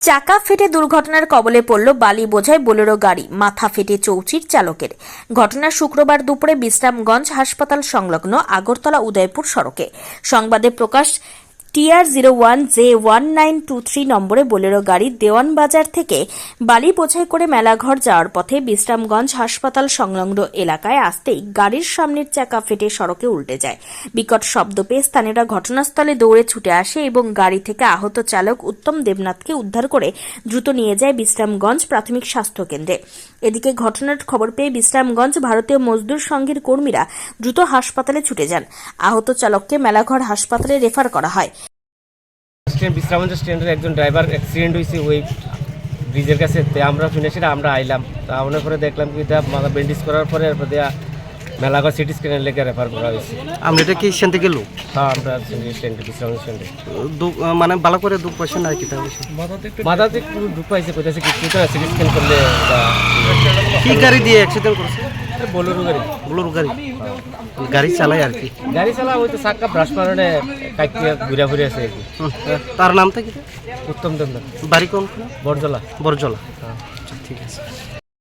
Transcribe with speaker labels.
Speaker 1: চাকা ফেটে দুর্ঘটনার কবলে পড়ল বালি বোঝাই বোলেরো গাড়ি, মাথা ফেটে চৌচির চালকের। ঘটনা শুক্রবার দুপুরে বিশ্রামগঞ্জ হাসপাতাল সংলগ্ন আগরতলা উদয়পুর সড়কে। সংবাদে প্রকাশ, TR01J1923 নম্বরে বোলেরো গাড়ি দেওয়ানবাজার থেকে বালি বোঝাই করে মেলাঘর যাওয়ার পথে বিশ্রামগঞ্জ হাসপাতাল সংলগ্ন এলাকায় আসতেই গাড়ির সামনের চাকা ফেটে সড়কে উল্টে যায়। বিকট শব্দ পেয়ে স্থানীয়রা ঘটনাস্থলে দৌড়ে ছুটে আসে এবং গাড়ি থেকে আহত চালক উত্তম দেবনাথকে উদ্ধার করে দ্রুত নিয়ে যায় বিশ্রামগঞ্জ প্রাথমিক স্বাস্থ্য কেন্দ্রে। এদিকে ঘটনার খবর পেয়ে বিশ্রামগঞ্জ ভারতীয় মজদুর সংঘের কর্মীরা দ্রুত হাসপাতালে ছুটে যান। আহত চালককে মেলাঘর হাসপাতালে রেফার করা হয়।
Speaker 2: বিশ্রামগঞ্জ স্ট্যান্ডের একজন ড্রাইভার অ্যাক্সিডেন্ট হয়েছে ওই ব্রিজের কাছে। আমরা শুনেছি আমরা আইলাম, তা আনার পরে দেখলাম কি মাথা ব্যান্ডেজ করার পরে মেলাঘর সিটি স্ক্যানের লেগে রেফার করা হয়েছে।
Speaker 3: আমরা এটা কি স্ট্যান্ড থেকে লোক?
Speaker 2: হ্যাঁ, আমরা স্ট্যান্ডে বিশ্রামগঞ্জ স্ট্যান্ডে
Speaker 3: মানে ভালো করে দুঃখ পাইছে না কি?
Speaker 2: মাথাতে একটু দুঃখ পাইছে, কোথায় কিছু সিটি স্ক্যান করলে।
Speaker 3: কি গাড়ি দিয়ে অ্যাক্সিডেন্ট করেছে?
Speaker 2: বোলেরো গাড়ি।
Speaker 3: বোলেরো গাড়ি গাড়ি চালায় আর কি?
Speaker 2: গাড়ি চালা ওই তো চাক্কা ব্রাশ মারণে কাইটিয়া ঘুরে ঘুরে আছে আর কি।
Speaker 3: তার নামটা কি?
Speaker 2: উত্তম দেবনাথ।
Speaker 3: বাড়ি কোন?
Speaker 2: বরজলা।
Speaker 3: বরজলা।
Speaker 2: হ্যাঁ,
Speaker 3: ঠিক আছে।